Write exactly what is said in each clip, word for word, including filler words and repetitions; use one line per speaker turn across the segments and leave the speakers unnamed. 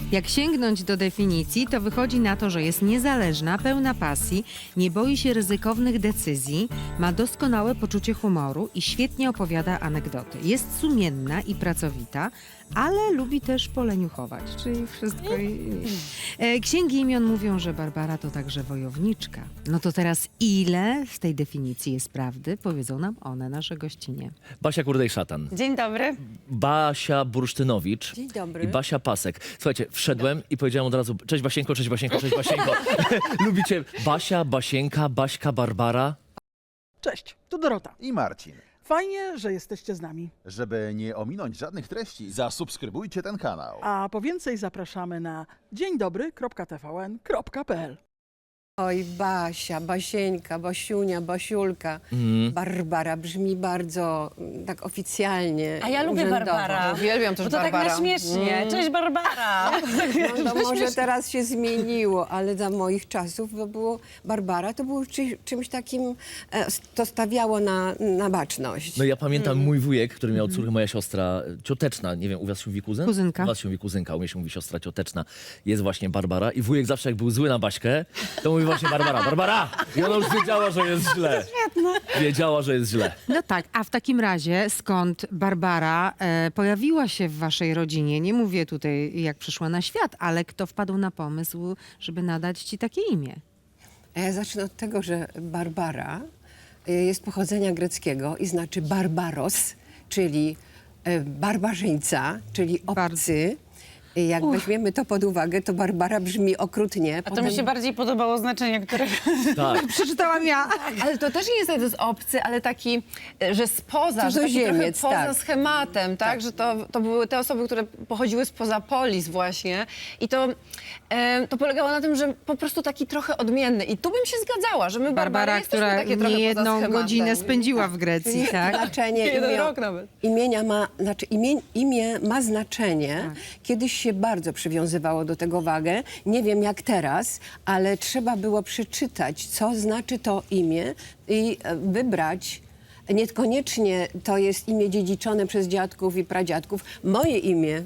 Jak sięgnąć do definicji, to wychodzi na to, że jest niezależna, pełna pasji, nie boi się ryzykownych decyzji, ma doskonałe poczucie humoru i świetnie opowiada anegdoty. Jest sumienna i pracowita, ale lubi też poleniuchować, czyli wszystko. I... E, Księgi imion mówią, że Barbara to także wojowniczka. No to teraz ile w tej definicji jest prawdy, powiedzą nam one, nasze gościnie.
Basia Kurdej-Szatan,
Dzień dobry.
Basia Bursztynowicz
Dzień dobry.
i Basia Pasek. Słuchajcie, wszedłem i powiedziałem od razu, cześć Basieńko, cześć Basieńko, cześć Basieńko. Lubicie Basia, Basienka, Baśka, Barbara?
Cześć, tu Dorota.
I Marcin.
Fajnie, że jesteście z nami.
Żeby nie ominąć żadnych treści, zasubskrybujcie ten kanał.
A po więcej zapraszamy na dzień dobry kropka t v n kropka p l.
Oj, Basia, Basieńka, Basiunia, Basiulka.
Mm.
Barbara brzmi bardzo mm, tak oficjalnie.
A ja lubię
urzędowo.
Barbara.
Uwielbiam też
Bo to
Barbara.
tak na śmiesznie.
Mm.
Cześć Barbara.
No, to może teraz się zmieniło, ale za moich czasów to było Barbara, to było czy, czymś takim, e, to stawiało na, na baczność.
No ja pamiętam mój wujek, który miał córkę, moja siostra cioteczna, nie wiem, u was się mówi kuzyn?
Kuzynka.
U was się mówi kuzynka, u mnie się mówi siostra cioteczna. Jest właśnie Barbara i wujek zawsze jak był zły na Baśkę, to mówi właśnie Barbara, Barbara! I ona już wiedziała, że jest źle. Wiedziała, że jest źle.
No tak, a w takim razie skąd Barbara e, pojawiła się w waszej rodzinie? Nie mówię tutaj jak przyszła na świat, ale kto wpadł na pomysł, żeby nadać ci takie imię?
A ja zacznę od tego, że Barbara y, jest pochodzenia greckiego i znaczy barbaros, czyli y, barbarzyńca, czyli obcy. I jak weźmiemy to pod uwagę, to Barbara brzmi okrutnie.
A to mi się bardziej podobało znaczenie, które...
Tak.
Przeczytałam ja.
Ale to też nie jest tak, to jest obcy, ale taki, e, że spoza, że taki trochę
Cudzoziemiec,
poza
tak.
schematem, tak? Że to, to były te osoby, które pochodziły spoza polis właśnie i to, e, to polegało na tym, że po prostu taki trochę odmienny i tu bym się zgadzała, że my Barbara,
Barbara,
jesteśmy
która
takie trochę poza
niejedną
schematem.
godzinę spędziła w Grecji, tak?
Znaczenie
Jeden
imię,
rok nawet.
imienia ma, znaczy imię, imię ma znaczenie. Kiedyś się bardzo przywiązywało do tego wagę. Nie wiem jak teraz, ale trzeba było przeczytać, co znaczy to imię i e, wybrać. Niekoniecznie to jest imię dziedziczone przez dziadków i pradziadków. Moje imię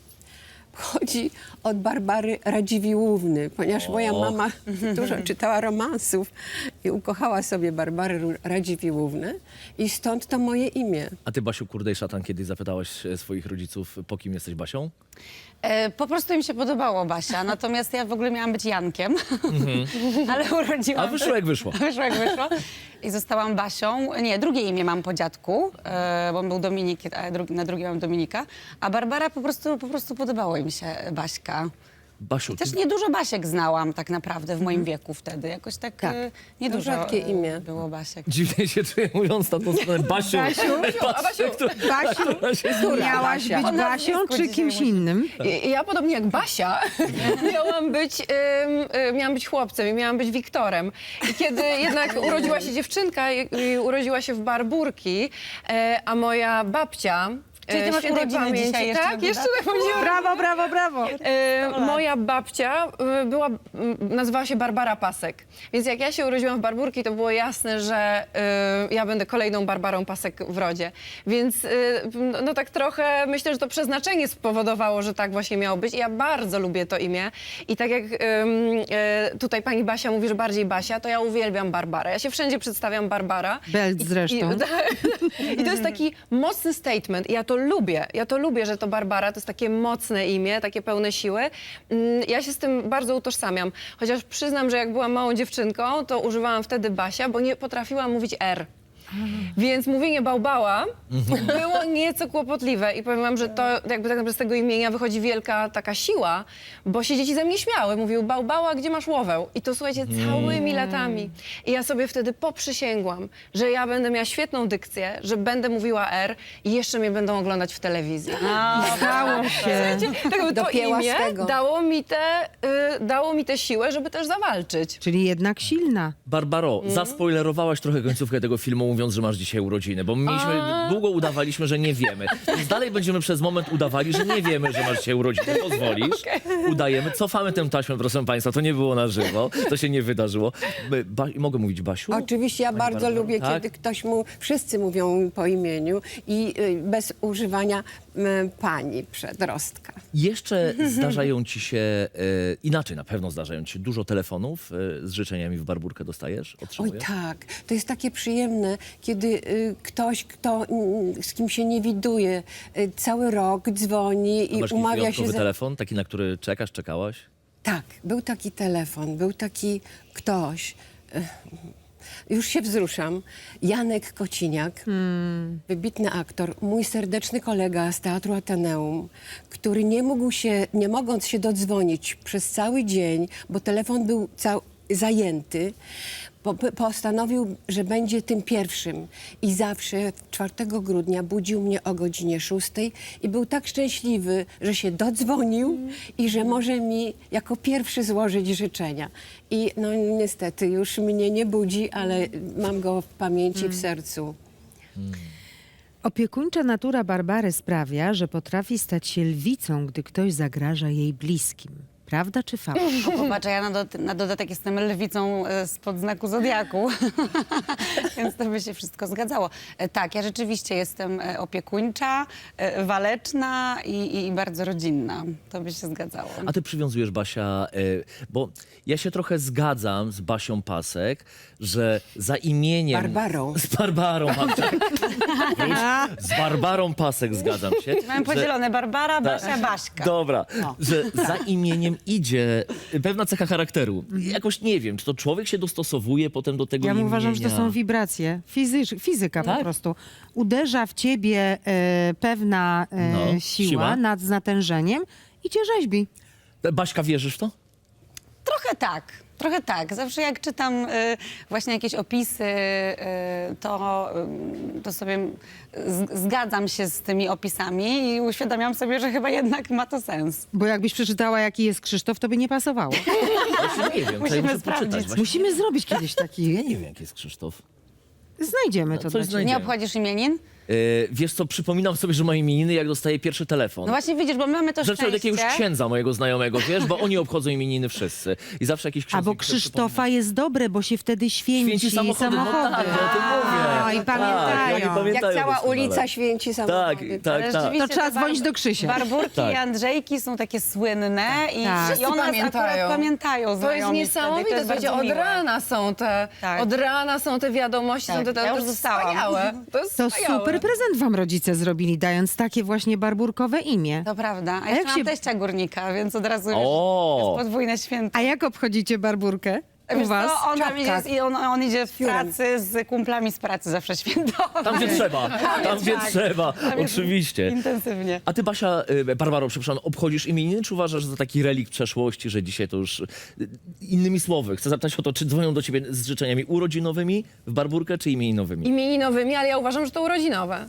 pochodzi od Barbary Radziwiłłówny, ponieważ moja mama dużo czytała romansów i ukochała sobie Barbarę Radziwiłłównę i stąd to moje imię.
A ty, Basiu Kurdej-Szatan, kiedyś zapytałaś e, swoich rodziców, po kim jesteś Basią?
E, po prostu im się podobało Basia, natomiast ja w ogóle miałam być Jankiem, ale urodziłam...
A wyszło jak wyszło.
Wyszło jak wyszło. I zostałam Basią. Nie, drugie imię mam po dziadku, e, bo on był Dominik, a drugi, na drugie mam Dominika. A Barbara po prostu, po prostu podobało im się Baśka.
Basiu,
Też
ty...
nie dużo Basiek znałam tak naprawdę w moim wieku wtedy. Jakoś tak,
Tak.
e, nie
To
dużo
rzadkie
e,
imię.
było Basiek.
Dziwnie się czuję mówiąc na tą stronę. Basiu,
Basiu,
a Basiu,
Basiu,
która się
miałaś
Basia?
być
Ona
Basią
blisko
czy
dzisiaj
kimś
musi-
innym?
I, ja podobnie jak Basia miałam być, ym, y, miałam być chłopcem i miałam być Wiktorem. I kiedy jednak urodziła się dziewczynka i, i urodziła się w Barburki, e, a moja babcia...
Czyli ty
e,
masz
świętej
urodziny
pamięci,
dzisiaj jeszcze
tak,
na
jeszcze
dodatek?
tak powiedziałam.
Brawo, brawo, brawo.
E, moja babcia e, była, m, nazywała się Barbara Pasek. Więc jak ja się urodziłam w Barburki, to było jasne, że e, ja będę kolejną Barbarą Pasek w rodzie. Więc e, no, no tak trochę myślę, że to przeznaczenie spowodowało, że tak właśnie miało być. I ja bardzo lubię to imię. I tak jak e, e, tutaj pani Basia mówi, że bardziej Basia, to ja uwielbiam Barbarę. Ja się wszędzie przedstawiam Barbara.
Belt
I-
zresztą.
I, I to jest taki mocny statement. I ja to lubię. Ja to lubię, że to Barbara to jest takie mocne imię, takie pełne siły. Mm, Ja się z tym bardzo utożsamiam. Chociaż przyznam, że jak byłam małą dziewczynką, to używałam wtedy Basia, bo nie potrafiłam mówić R. Więc mówienie bałbała było nieco kłopotliwe i powiem wam, że to jakby tak naprawdę z tego imienia wychodzi wielka taka siła, bo się dzieci ze mnie śmiały. Mówił bałbała, gdzie masz łowę? I to słuchajcie, całymi latami. I ja sobie wtedy poprzysięgłam, że ja będę miała świetną dykcję, że będę mówiła R i jeszcze mnie będą oglądać w telewizji.
Stało się.
Tak jakby to
Dopięła z
imię
tego.
dało mi, tę, y, dało mi tę siłę, żeby też zawalczyć.
Czyli jednak silna.
Barbaro, zaspoilerowałaś trochę końcówkę tego filmu, mówiąc mówiąc, że masz dzisiaj urodziny, bo mieliśmy, długo udawaliśmy, że nie wiemy. Więc dalej będziemy przez moment udawali, że nie wiemy, że masz dzisiaj urodziny. Pozwolisz? Udajemy, cofamy tę taśmę, proszę państwa, to nie było na żywo, to się nie wydarzyło. Ba mogę mówić Basiu?
Oczywiście ja bardzo
Barbaro,
lubię,
tak?
kiedy ktoś mu, wszyscy mówią po imieniu i y, bez używania y, pani przedrostka.
Jeszcze zdarzają ci się, e, inaczej na pewno zdarzają ci się dużo telefonów e, z życzeniami w Barburkę dostajesz?
Oj
Otrzymujesz?
tak, to jest takie przyjemne, kiedy y, ktoś, kto y, z kim się nie widuje, y, cały rok dzwoni
A
i
masz jakiś
umawia się
wyjątkowy
za...
telefon, taki, na który czekasz, czekałaś?
Tak, był taki telefon, był taki ktoś, y, już się wzruszam, Janek Kociniak, wybitny aktor, mój serdeczny kolega z Teatru Ateneum, który nie mógł się, nie mogąc się dodzwonić przez cały dzień, bo telefon był cał, zajęty, po, postanowił, że będzie tym pierwszym. I zawsze czwartego grudnia budził mnie o godzinie szóstej i był tak szczęśliwy, że się dodzwonił i że może mi jako pierwszy złożyć życzenia. I no niestety już mnie nie budzi, ale mam go w pamięci, w sercu.
Opiekuńcza natura Barbary sprawia, że potrafi stać się lwicą, gdy ktoś zagraża jej bliskim. Prawda czy fałsz?
O, popatrz, a ja na, do, na dodatek jestem lwicą e, spod znaku Zodiaku, więc to by się wszystko zgadzało. E, tak, ja rzeczywiście jestem e, opiekuńcza, e, waleczna i, i bardzo rodzinna. To by się zgadzało.
A ty przywiązujesz, Basia, y, bo ja się trochę zgadzam z Basią Pasek, że za imieniem...
Barbarą.
Z Barbarą Pasek. Wróć. Z Barbarą Pasek zgadzam się.
Mamy podzielone Barbara, Basia, Baśka.
Dobra, że za imieniem idzie pewna cecha charakteru. Jakoś nie wiem, czy to człowiek się dostosowuje potem do tego
Ja
imienia.
uważam, że to są wibracje, Fizycz, fizyka
Tak?
po prostu. Uderza w ciebie e, pewna e,
No,
siła,
siła.
nad z natężeniem i cię rzeźbi.
Baśka, wierzysz w to?
Trochę tak, trochę tak. Zawsze jak czytam y, właśnie jakieś opisy, y, to, y, to sobie z, zgadzam się z tymi opisami i uświadamiam sobie, że chyba jednak ma to sens.
Bo jakbyś przeczytała, jaki jest Krzysztof, to by nie pasowało.
Właśnie nie wiem, to
Musimy
ja muszę
sprawdzić.
poczytać. Właśnie.
Musimy zrobić kiedyś taki.
Ja nie wiem, jaki jest Krzysztof.
Znajdziemy to
coś
dla ciebie.
znajdziemy.
Nie obchodzisz imienin?
Yy, wiesz co, przypominam sobie, że mam imieniny, jak dostaję pierwszy telefon.
No właśnie widzisz, bo mamy to
Zacząłem od
szczęście.
jakiegoś księdza mojego znajomego, wiesz, bo oni obchodzą imieniny wszyscy. I zawsze jakiś ksiądz...
Albo
mi
Krzysztofa jest dobre, bo się wtedy święci,
Święci samochody, no tak, ja o tym mówię.
A, i
Tak,
pamiętają.
oni
Jak
pamiętają
cała
doskonale.
ulica święci
Tak,
samochody.
tak,
Ale
tak.
rzeczywiście
To trzeba
te
dzwonić
bar-
do Krzysia.
Barburki
Tak.
i Andrzejki są takie słynne i,
Tak.
i one
pamiętają.
akurat pamiętają
To jest
znajomi
niesamowite,
wtedy. To
słuchajcie,
jest
od
bardzo miłe.
rana są te,
Tak.
od rana są te wiadomości,
Tak,
są te, te
ja
to
już
jest
zostałam.
wspaniałe. To jest
To
wspaniałe.
super prezent wam rodzice zrobili, dając takie właśnie barburkowe imię.
To prawda. A
jak
jeszcze mam
się-
teścia górnika, więc od razu wiesz,
O!
jest podwójne święto.
A jak obchodzicie barburkę u
Wiesz
was?
co, on, tam
Czapka.
idzie, z- i on, on idzie w pracy z kumplami z pracy zawsze świętować.
Tam, gdzie trzeba, tam, gdzie
tak.
trzeba,
Tam jest
oczywiście.
Intensywnie.
A ty, Basia, y, Barbaro, przepraszam, obchodzisz imieniny, czy uważasz, że to taki relikt przeszłości, że dzisiaj to już... y, Innymi słowy, chcę zapytać o to, czy dzwonią do ciebie z życzeniami urodzinowymi w Barburkę, czy imieninowymi?
Imieninowymi, ale ja uważam, że to urodzinowe.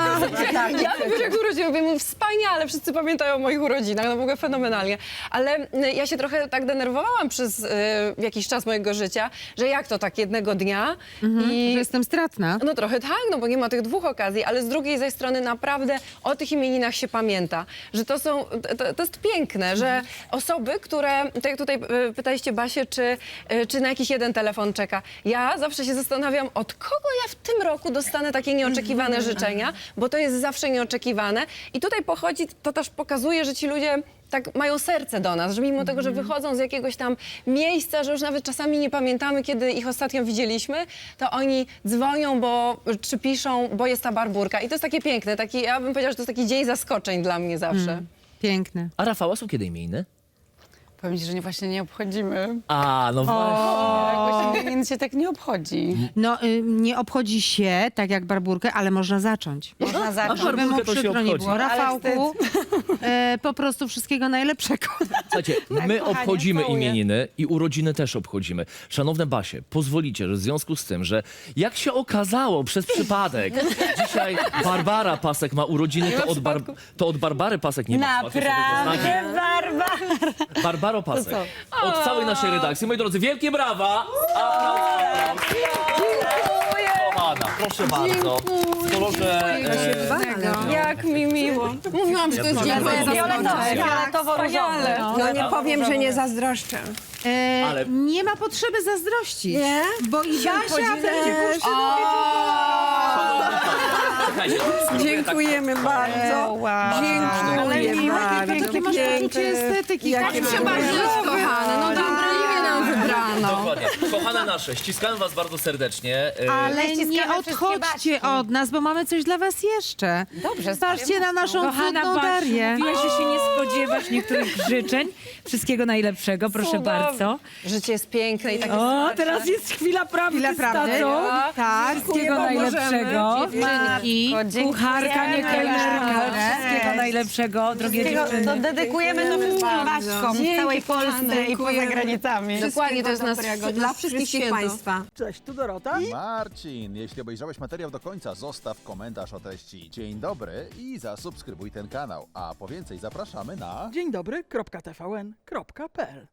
tak,
Ja lubię jak urodziny, mówię, wspaniale, wszyscy pamiętają o moich urodzinach, no w ogóle fenomenalnie. Ale y, ja się trochę tak denerwowałam przez y, jakiś czas mojego życia, że jak to tak jednego dnia i...
Że jestem stratna.
No trochę tak, no bo nie ma tych dwóch okazji, ale z drugiej zaś strony naprawdę o tych imieninach się pamięta, że to są, to, to jest piękne, że osoby, które, tak jak tutaj e, pytaliście Basię, czy, e, czy na jakiś jeden telefon czeka. Ja zawsze się zastanawiam, od kogo ja w tym roku dostanę takie nieoczekiwane życzenia, bo to jest zawsze nieoczekiwane i tutaj pochodzi, to też pokazuje, że ci ludzie tak mają serce do nas, że mimo tego, że wychodzą z jakiegoś tam miejsca, że już nawet czasami nie pamiętamy, kiedy ich ostatnio widzieliśmy, to oni dzwonią, bo, czy piszą, bo jest ta barburka. I to jest takie piękne, taki, ja bym powiedziała, że to jest taki dzień zaskoczeń dla mnie zawsze.
Piękne.
A Rafała są kiedy imieniny?
Powiem ci, że nie, właśnie nie obchodzimy.
A, no właśnie.
Jakoś imienin się tak nie obchodzi.
No, y, nie obchodzi się, tak jak barburkę, ale można zacząć.
Można zacząć.
a
Żeby mu
Barburkę to się
przykro nie
obchodzi.
było.
Ale
Rafałku, e, po prostu wszystkiego najlepszego.
Słuchajcie, my
kochanie,
obchodzimy
całuję.
imieniny i urodziny też obchodzimy. Szanowne Basie, pozwolicie, że w związku z tym, że jak się okazało przez przypadek, dzisiaj Barbara Pasek ma urodziny, to od, bar to od Barbary Pasek nie ma.
Naprawdę, Barba.
Barbaro Pasek. Od całej naszej redakcji. Moi drodzy, wielkie brawa! Aplauz! Kochana. proszę bardzo. W kolorze... E,
Jak mi miło. Mówiłam, że to jest
Ja
dziękuję za
Fioletowo,
spotkanie.
fioletowo-różowy.
No nie powiem, że nie zazdroszczę.
E,
Ale-
Nie ma potrzeby zazdrościć.
Nie?
Bo i Basia będzie
Słuchajcie, spróbuję tak-
Dziękujemy bardzo. Dziękuję bardzo.
Takie masz poczucie estetyki.
Jakie
Trzeba żyć, kochane. No dobre imię nam wybrano.
Dokładnie. Kochane nasze, ściskałem was bardzo serdecznie. E,
Ale nie
ściskamy wszystkie
odchodźcie
baśki.
od nas, bo mamy coś dla was jeszcze.
Dobrze,
Patrzcie na naszą
Kochana
cudną
Basiu,
Darię.
mówiłaś, że się nie spodziewasz niektórych życzeń. Wszystkiego najlepszego, proszę bardzo.
Życie jest piękne i takie
O, teraz jest chwila prawdy
Chwila
z
prawdy.
tatą.
Tak.
Wszystkiego najlepszego.
I
Kucharka, nie kelnerka. Wszystkiego najlepszego, drogie
To
dziewczyny.
dedykujemy to wszystkim Baśkom w całej
kochane,
Polsce i poza
dziękujemy.
granicami.
Dokładnie, to jest nas dla wszystkich święto.
Państwa.
Cześć, tu Dorota.
Marcin, jeśli obejrzałeś materiał do końca, zostaw komentarz o treści. Dzień dobry i zasubskrybuj ten kanał. A po więcej zapraszamy na...
Dzień dobry, kropka T V N, kropka P L.